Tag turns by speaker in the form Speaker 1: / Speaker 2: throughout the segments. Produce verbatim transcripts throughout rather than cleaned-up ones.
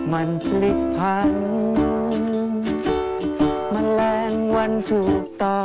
Speaker 1: มันพลิกพันแมลงวันถูกต้อง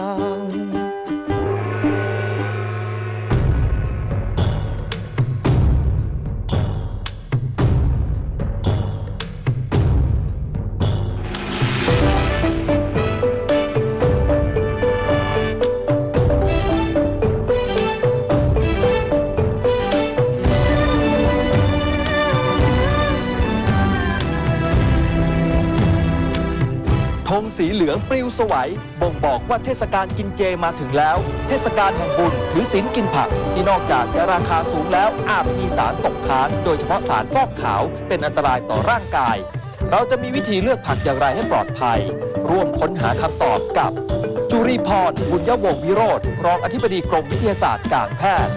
Speaker 2: ธงสีเหลืองปลิวสวัยบ่งบอกว่าเทศกาลกินเจมาถึงแล้ว เทศกาลแห่งบุญถือศีลกินผักที่นอกจากจะราคาสูงแล้วอาจมีสารตกค้างโดยเฉพาะสารฟอกขาวเป็นอันตรายต่อร่างกาย เราจะมีวิธีเลือกผักอย่างไรให้ปลอดภัย ร่วมค้นหาคำตอบกับจุรีพรบุญยวงศ์วิโรจน์รองอธิบดีกรมวิทยาศาสตร์การแพทย์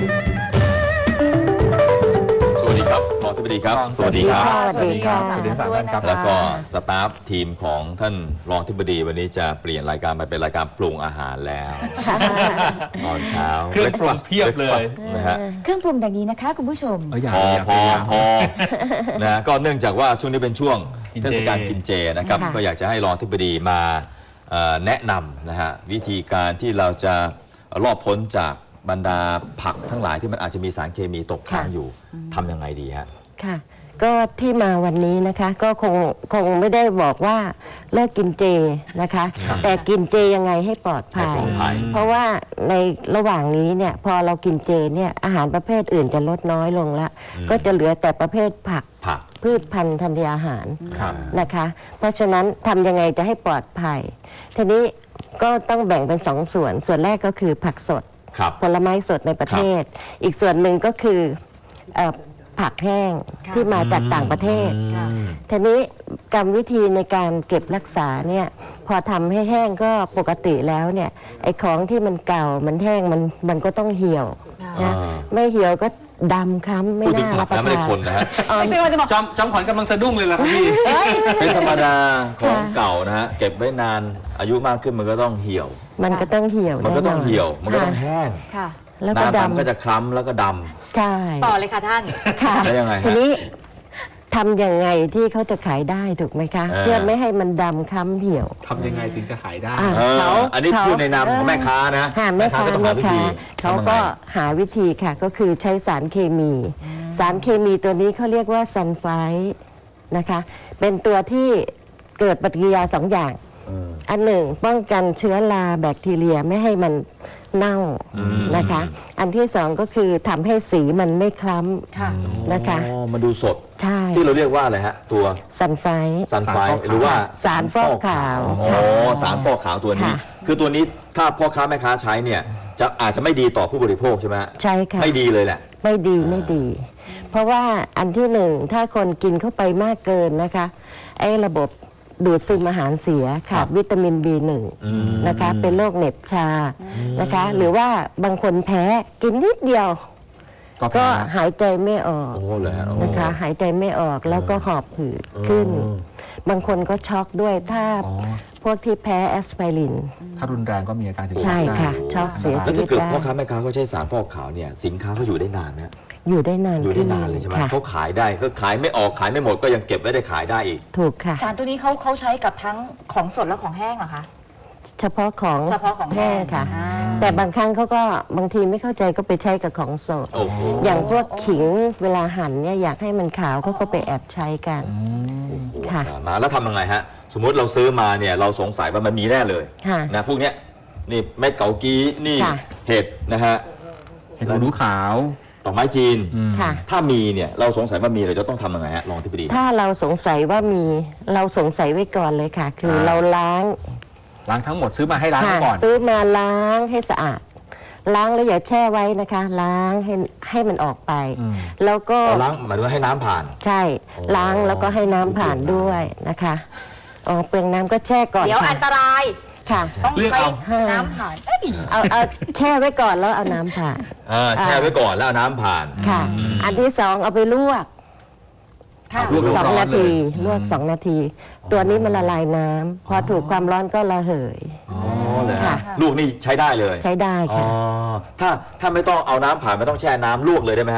Speaker 3: สวัสดีครับรองอธิบดีครับ
Speaker 4: สวัสดีครับ
Speaker 5: สวัสดีค่ะสวัสดีครับ
Speaker 3: แล้วก็สตาฟทีมของท่านรองอธิบดีวันนี้จะเปลี่ยนรายการมาเป็นรายการปรุงอาหารแล้วตอนเช้า
Speaker 4: เครื่องปรุงเพียบเลย
Speaker 3: นะฮะ
Speaker 5: เครื่องปรุงอย่างนี้นะคะคุณผู้ชม
Speaker 3: พอพอพอนะก็เนื่องจากว่าช่วงนี้เป็นช่วงเทศกาลกินเจนะครับก็อยากจะให้รองอธิบดีมาแนะนำนะฮะวิธีการที่เราจะรอบพ้นจากบรรดาผักทั้งหลายที่มันอาจจะมีสารเคมีตกค้างอยู่ทำยังไงดีฮะ
Speaker 6: ค่ะก็ที่มาวันนี้นะคะก็คงคงไม่ได้บอกว่าเลิกกินเจนะคะแต่กินเจยังไงให้ปลอดภัยเพราะว่าในระหว่างนี้เนี่ยพอเรากินเจเนี่ยอาหารประเภทอื่นจะลดน้อยลงละก็จะเหลือแต่ประเภทผักพืชพันธุ์ธัญญาหารนะคะเพราะฉะนั้นทำยังไงจะให้ปลอดภัยทีนี้ก็ต้องแบ่งเป็นสองส่วนส่วนแรกก็คือผักสดผลไม้สดในประเทศอีกส่วนหนึ่งก็คือผักแห้งที่มาจากต่างประเทศทีนี้กรรมวิธีในการเก็บรักษาเนี่ยพอทำให้แห้งก็ปกติแล้วเนี่ยไอ้ของที่มันเก่ามันแห้งมันมันก็ต้องเหี่ยวนะไม่เหี่ยวก็ดำคล้ำไม่น่ารับประทาน
Speaker 3: ไม่ได้คนนะฮะ
Speaker 4: จำจำขวัญกำลังสะดุ้งเลยล่ะครับพี่
Speaker 3: เป็นธรรมดาของเก่านะฮะเก็บไว้นานอายุมากขึ้นมันก็ต้องเหี่ยว
Speaker 6: มันก็ต้องเหี่ยว
Speaker 3: มันก็ต้องเหี่ยวมันก็ต้องแห้ง
Speaker 6: แล้วก็ดำ
Speaker 3: ก็จะคล้ำแล้วก็ดำ
Speaker 6: ใช่
Speaker 5: ต่อเลยค่ะท่าน
Speaker 6: ค่ะ
Speaker 3: แล้วยังไง
Speaker 6: ทีนี้ทำยังไงที่เขาจะขายได้ถูกไหมคะเพื่อไม่ให้มันดำคล้ำเหี่ยว
Speaker 4: ทำยังไงถึงจะขายได้
Speaker 6: เขา
Speaker 3: อันนี้พูดในนามของแม่ค้านะ
Speaker 6: แม่ค้าแม่ค้าเขาก็หาวิธีค่ะก็คือใช้สารเคมีสารเคมีตัวนี้เขาเรียกว่าซัลไฟด์นะคะเป็นตัวที่เกิดปฏิกิริยาสองอย่างอันหนึ่งป้องกันเชื้อราแบคทีเรียไม่ให้มันเน่านะคะอันที่สองก็คือทำให้สีมันไม่คล้ำนะคะ
Speaker 3: อ๋อมาดูสด
Speaker 6: ใช่
Speaker 3: ที่เราเรียกว่าอะไรฮะตัว
Speaker 6: ซัลไฟด์
Speaker 3: ซัลไฟด์หรือว่า
Speaker 6: สารฟอกขาว
Speaker 3: อ๋อสารฟอกขาวตัวนี้คือตัวนี้ถ้าพ่อค้าแม่ค้าใช้เนี่ยจะอาจจะไม่ดีต่อผู้บริโภคใช่ไหม
Speaker 6: ใช่ค่ะ
Speaker 3: ไม่ดีเลยแหละ
Speaker 6: ไม่ดีไม่ดี เพราะว่าอันที่หนึ่งถ้าคนกินเข้าไปมากเกินนะคะไอ้ระบบดูดซึมอาหารเสียขาดวิตามิน บี หนึ่ง นะคะเป็นโรคเหน็บชานะคะหรือว่าบางคนแพ้กินนิดเดียวก็หายใจไม่ออกนะคะหายใจไม่ออกแล้วก็หอบหืดขึ้นบางคนก็ช็อกด้วยถ้าพวกที่แพ้แอสไพริน
Speaker 4: ถ้ารุนแรงก็มีอาการถึง
Speaker 6: ใช่ค่ะช็อกเสียชีวิตได้
Speaker 3: แล้วถ้าเกิดพ่อค้าแม่ค้าเขาใช้สารฟอกขาวเนี่ยสินค้าเขาอยู่ได้นานไหม
Speaker 6: อยู่ได้นาน
Speaker 3: อยู่ได้นานเลยใช่ไหมเขาขายได้ก็ขายไม่ออกขายไม่หมดก็ยังเก็บไว้ได้ขายได้อีก
Speaker 6: ถูกค่ะ
Speaker 5: สารตัวนี้เขาเขาใช้กับทั้งของสดและของแห้งเหรอคะ
Speaker 6: เฉพาะของ
Speaker 5: เฉพาะของแห้ง
Speaker 6: ค่ะแต่บางครั้งเขาก็บางทีไม่เข้าใจก็ไปใช้กับของสดอย่างพวกขิงเวลาหั่นเนี่ยอยากให้มันขาวเขาก็ไปแอบใช้กัน
Speaker 3: ค่ะมาแล้วทำยังไงฮะสมมุติเราซื้อมาเนี่ยเราสงสัยว่ามันมีแน่เลยนะพวกเนี้ยนี่เม็ดเกากี้นี่เห็ดนะฮะ
Speaker 4: เห็ดหูหนูขาว
Speaker 3: ดอกไม้จีนถ้ามีเนี่ยเราสงสัยว่ามีเราจะต้องทำยังไงฮะรองอธิบดี
Speaker 6: ถ้าเราสงสัยว่ามีเราสงสัยไว้ก่อนเลยค่ะคือเราล้าง
Speaker 4: ล้างทั้งหมดซื้อมาให้ล้างก่อน
Speaker 6: ซื้อมาล้างให้สะอาดล้างแล้วอย่าแช่ไว้นะคะล้างให้ให้มันออกไปแล้วก็
Speaker 3: ล้างหมายถึงให้น้ำผ่าน
Speaker 6: ใช่ล้างแล้วก็ให้น้ำผ่านด้วยนะคะอ๋อเปลืองน้ำก็แช่ก่อน
Speaker 5: เดี๋ยวอันตราย
Speaker 6: ค่ะ
Speaker 5: ต้องใช้น้ำผ่าน
Speaker 6: เอาเอาแช่ไว้ก่อนแล้วเอาน้ำผ่าน
Speaker 3: แช่ไว้ก่อนแล้วเอาน้ำผ่าน
Speaker 6: ค่ะอันที่สองเอาไปลวกสองนาทีลวกสองนาทีตัวนี้มันละลายน้ำพอถูกความร้อนก็ระเหย
Speaker 3: อ๋อเลยค่ะลูกนี่ใช้ได้เลย
Speaker 6: ใช้ได้ค่ะ
Speaker 3: ถ้าถ้าไม่ต้องเอาน้ำผ่านไม่ต้องแช่น้ำลวกเลยได้ไหมฮะ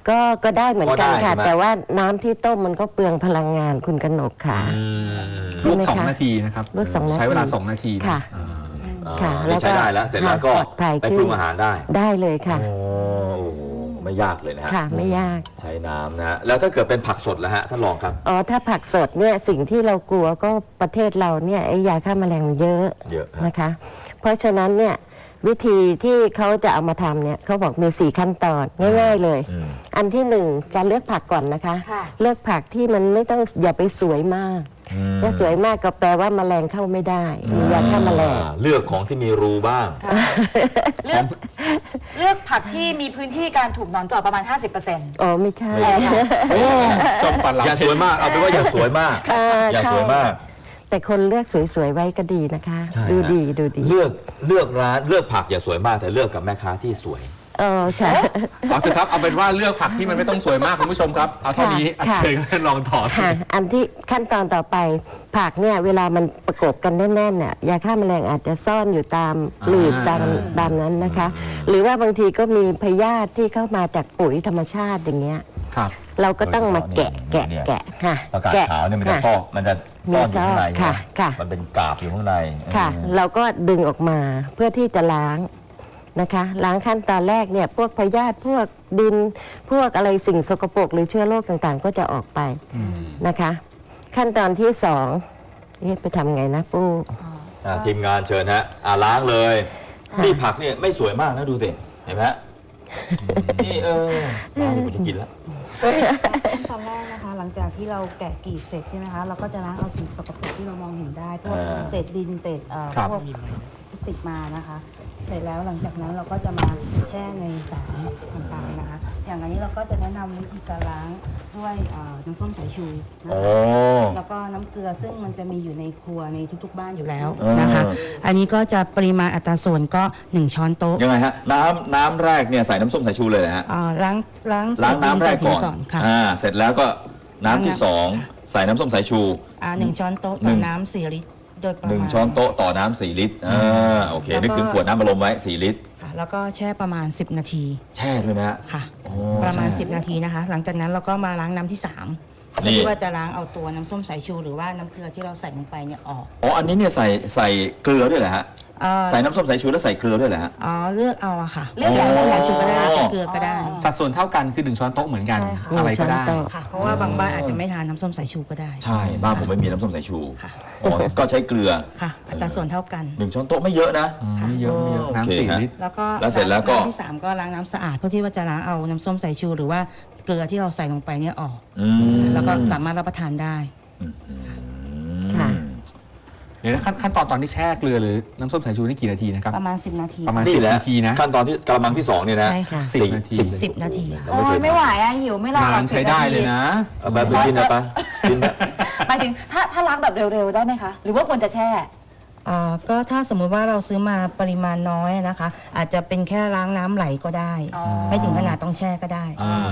Speaker 6: ก็ก็ได้เหมือนกัน
Speaker 3: ก็ได้
Speaker 6: ค่ะ
Speaker 3: ใช่ไหม
Speaker 6: แต่ว่าน้ำที่ต้มมันก็เปลืองพลังงานคุณกนกค่ะ
Speaker 4: ลวก
Speaker 6: ใช่ไหม
Speaker 4: สอง
Speaker 6: คะ
Speaker 4: นาทีนะครับ
Speaker 6: ลวกสองนาที
Speaker 4: ใช้เวลาสองนาที
Speaker 6: ค่ะ
Speaker 4: อ่า
Speaker 6: ค่ะ
Speaker 3: อ่า
Speaker 6: แล้วก็
Speaker 3: นี่ใช้ได้แล้ว เสร็จแล้วก็
Speaker 6: ปลอดภัย
Speaker 3: ไป
Speaker 6: ขึ้น
Speaker 3: ปรุงอาหารได้
Speaker 6: ได้เลยค่ะ
Speaker 3: โอ้โหไม่ยากเลยนะฮะ
Speaker 6: ค่ะไม่ยาก
Speaker 3: ใช้น้ำนะฮะแล้วถ้าเกิดเป็นผักสดแล้วฮะท่านรองครับ
Speaker 6: อ๋อถ้าผักสดเนี่ยสิ่งที่เรากลัวก็ประเทศเราเนี่ยไอ้ยาฆ่าแมลงมันเยอะ
Speaker 3: เยอะฮะ
Speaker 6: นะคะ เพราะฉะนั้นเนี่ยวิธีที่เขาจะเอามาทำเนี่ยเขาบอกมีสี่ขั้นตอนง่ายๆเลย
Speaker 3: อืม
Speaker 6: อันที่หนึ่งการเลือกผักก่อนนะคะ
Speaker 5: ค่ะ
Speaker 6: เลือกผักที่มันไม่ต้องอย่าไปสวยมากถ้าสวยมากก็แปลว่าแมลงเข้าไม่ได้ มียาฆ่าแมลง
Speaker 3: อ่าเลือกของที่มีรูบ้าง
Speaker 5: ค่ะเลือกเลือกผักที่มีพื้นที่การถูกหนอนเจาะประมาณ ห้าสิบเปอร์เซ็นต์
Speaker 6: อ๋อไม่ใช่
Speaker 4: จอมฟันเรา
Speaker 3: อย่าสวยมากเอาเป็นว่าอย่าสวยมาก
Speaker 6: อ่า
Speaker 3: อย่าสวยมาก
Speaker 6: แต่คนเลือกสวยๆไว้ก็ดีนะคะ
Speaker 3: ใช่
Speaker 6: ดู
Speaker 3: ฮะ
Speaker 6: ดีดูดี
Speaker 3: เลือกเลือกร้านเลือกผักอย่าสวยมากแต่เลือกกับแม่ค้าที่สวย
Speaker 6: เออค่ะ
Speaker 4: เอาเถอะครับเอาเป็นว่าเลือกผักที่มันไม่ต้องสวยมากคุณผู้ชมครับเอาเท่านี้
Speaker 6: ค่ะ
Speaker 4: เชิญท่านลองถอด
Speaker 6: ค่ะ อันที่ขั้นตอนต่อไปผักเนี่ยเวลามันประกบกันแน่นๆเนี่ยยาฆ่าแมลงอาจจะซ่อนอยู่ตามหลืบตามตามนั้นนะคะ หรือว่าบางทีก็มีพยาธิที่เข้ามาจากปุ๋ยธรรมชาติอย่างเงี้ย
Speaker 4: ครับ
Speaker 6: เราก็ต้องมาแกะแกะ
Speaker 3: เนี่ย
Speaker 6: แกะค่ะ
Speaker 3: ประกาศ
Speaker 6: แกะ
Speaker 3: ขาวเนี่ยมันจะ
Speaker 6: ค่ะ
Speaker 3: ซอกมันจะซ่อนอยู่ข้างใน
Speaker 6: ค่ะ
Speaker 3: ใช่ไหม
Speaker 6: ค่ะ
Speaker 3: มันเป็นกาบอยู่ข้างใน
Speaker 6: ค่ะ
Speaker 3: อืม
Speaker 6: เราก็ดึงออกมาเพื่อที่จะล้างนะคะ ล้างขั้นตอนแรกเนี่ยพวกพยาธิพวกดินพวกอะไรสิ่งสกปรกหรือเชื้อโรคต่างๆ ก็จะออกไปนะคะ ขั้นตอนที่สองเอ๊ะไปทำไงนะปู้
Speaker 3: อ่าทีมงานเชิญฮะอ่าล้างเลยนี่ผักเนี่ยไม่สวยมากนะดูสิเห็นไหมฮะนี่เออล้างเดี๋ยวผมจะกินแล้ว
Speaker 7: ขั้นตอนแรกนะคะ หลังจากที่เราแกะกลีบเสร็จใช่ไหมคะ เราก็จะล้างเอาสิ่งสกปรกที่เรามองเห็นได้พวก
Speaker 3: อ่า
Speaker 7: เศษดินเศษเอ่อ
Speaker 4: ครับ
Speaker 7: พวกที่ติดมานะคะ เสร็จแล้วหลังจากนั้นเราก็จะมาแช่ในสารต่างๆนะคะ อย่างอันนี้เราก็จะแนะนำวิธีการล้างด้วยเอ่อน้ำส้มสายชูนะ
Speaker 3: โอ้
Speaker 7: คะแล้วก็น้ำเกลือซึ่งมันจะมีอยู่ในครัวในทุกๆบ้านอยู่แล้วนะคะ
Speaker 3: เออ
Speaker 7: อันนี้ก็จะปริมาณอัตราส่วนก็หนึ่งช้อนโต๊ะ
Speaker 3: ยังไงฮะน้ำน้ำแรกเนี่ยใส่น้ำส้มสายชูเลยเหรอฮะ
Speaker 7: เอ่อล้างล้าง
Speaker 3: ล้างน้ำแรกก่อน
Speaker 7: เศษดินค่ะ
Speaker 3: อ่าเสร็จแล้วก็น้ำที่สอง
Speaker 7: ค่ะ
Speaker 3: ใส่น้ำส้มสายชู
Speaker 7: อ่าหนึ่งช้อนโต๊ะ
Speaker 3: หนึ่
Speaker 7: ต่อง น้ำสี่ลิตรโดยประ
Speaker 3: หนึ่ง
Speaker 7: มาณ
Speaker 3: ช้อนโต๊ะต่อน้ำสี่ลิตรอ่าโอเค
Speaker 7: แล้วก็
Speaker 3: นึกถึงขวดน้ำบัลลมไว้สี่ลิตร
Speaker 7: ค่ะแล้วก็แช่ประมาณ สิบ นาที
Speaker 3: แช่ด้วยนะฮะ
Speaker 7: ค่ะ
Speaker 3: โอ้
Speaker 7: ประมาณ
Speaker 3: ใช่
Speaker 7: สิบ นาทีนะคะ หลังจากนั้นเราก็มาล้างน้ำที่สาม
Speaker 3: นี่
Speaker 7: เพื่อที่ว่าจะล้างเอาตัวน้ำส้มสายชูหรือว่าน้ำเกลือที่เราใส่ลงไปเนี่ยออก
Speaker 3: อ๋ออันนี้เนี่ยใส่ใส่เกลือด้วยเหรอฮะ
Speaker 7: เอ่อ
Speaker 3: ใส่น้ำส้มสายชูแล้วใส่เกลือด้วยเหรอฮะ
Speaker 7: อ๋อเลือกเอาอะค่ะ
Speaker 5: เลือก
Speaker 7: จะ
Speaker 5: เอา
Speaker 7: น้ำส้มสายชูก็ได้จะเกลือก็ได้
Speaker 4: สัดส่วนเท่ากันคือหนึ่งช้อนโต๊ะเหมือนกัน
Speaker 7: ใช่ค่ะ
Speaker 4: อะไรก็ได้
Speaker 6: หนึ่งช้อนโต๊ะ
Speaker 7: ค่ะ เพราะว่าบางบ้านอาจจะไม่ทานน้ำส้มสายชูก็ได้
Speaker 3: ใช่บ้านผมไม่มีน้ำส้มสายชู
Speaker 7: ค่ะ
Speaker 3: อ๋อก็ใช้เกลือ
Speaker 7: ค่ะ อัตราส่วนเท่ากัน
Speaker 3: หนึ่งช้อนโต๊ะไม่เยอะนะ
Speaker 4: อืมไม่เยอะไม่เยอะ
Speaker 3: โอเค
Speaker 4: น้ำสี่
Speaker 3: ฮะ
Speaker 4: ลิตร
Speaker 7: แล้วก็
Speaker 3: แล้วเสร็จแล้วก็
Speaker 7: น้ำที่สามก็ล้างน้ำสะอาดเพื่อที่ว่าจะล้างเอาน้ำส้มสายชูหรือว่าเกลือที่เราใส่ลงไปเนี่ยออก
Speaker 3: อืม
Speaker 7: แล้วก็สามารถรับประทานได้
Speaker 6: ค่ะ
Speaker 4: เดี๋ยวนะขั้นขั้นตอนตอนที่แช่เกลือหรือน้ำส้มสายชูนี่กี่นาทีนะครับ
Speaker 7: ประมาณ สิบ นาที
Speaker 4: ประมาณ
Speaker 3: นี่
Speaker 4: สิบ
Speaker 3: แหละ
Speaker 4: นาทีนะ
Speaker 3: ขั้นตอนที่กระมังที่สองเนี่ยนะ
Speaker 7: ใช่ค่ะ
Speaker 4: สิบนาที
Speaker 3: สิบ
Speaker 7: สิบ นาที
Speaker 3: เรา
Speaker 5: โอ้
Speaker 3: ไม่เค
Speaker 5: ย
Speaker 3: ย
Speaker 5: ไม่ไหวอะหิวไม่รอหร
Speaker 4: นา
Speaker 5: อก
Speaker 4: นใช้ได้เลยนะ
Speaker 3: เอาไปไปกินนะปะกินนะ
Speaker 5: หมายถึงถ้าถ้าล้างแบบเร็วๆได้ไหมคะ หรือว่าควรจะแช่
Speaker 7: อ่าก็ถ้าสมมุติว่าเราซื้อมาปริมาณน้อยนะคะ อาจจะเป็นแค่ล้างน้ำไหลก็ได้
Speaker 5: อ๋อ
Speaker 7: ไม่ถึงขนาดต้องแช่ก็ได้
Speaker 3: อ่า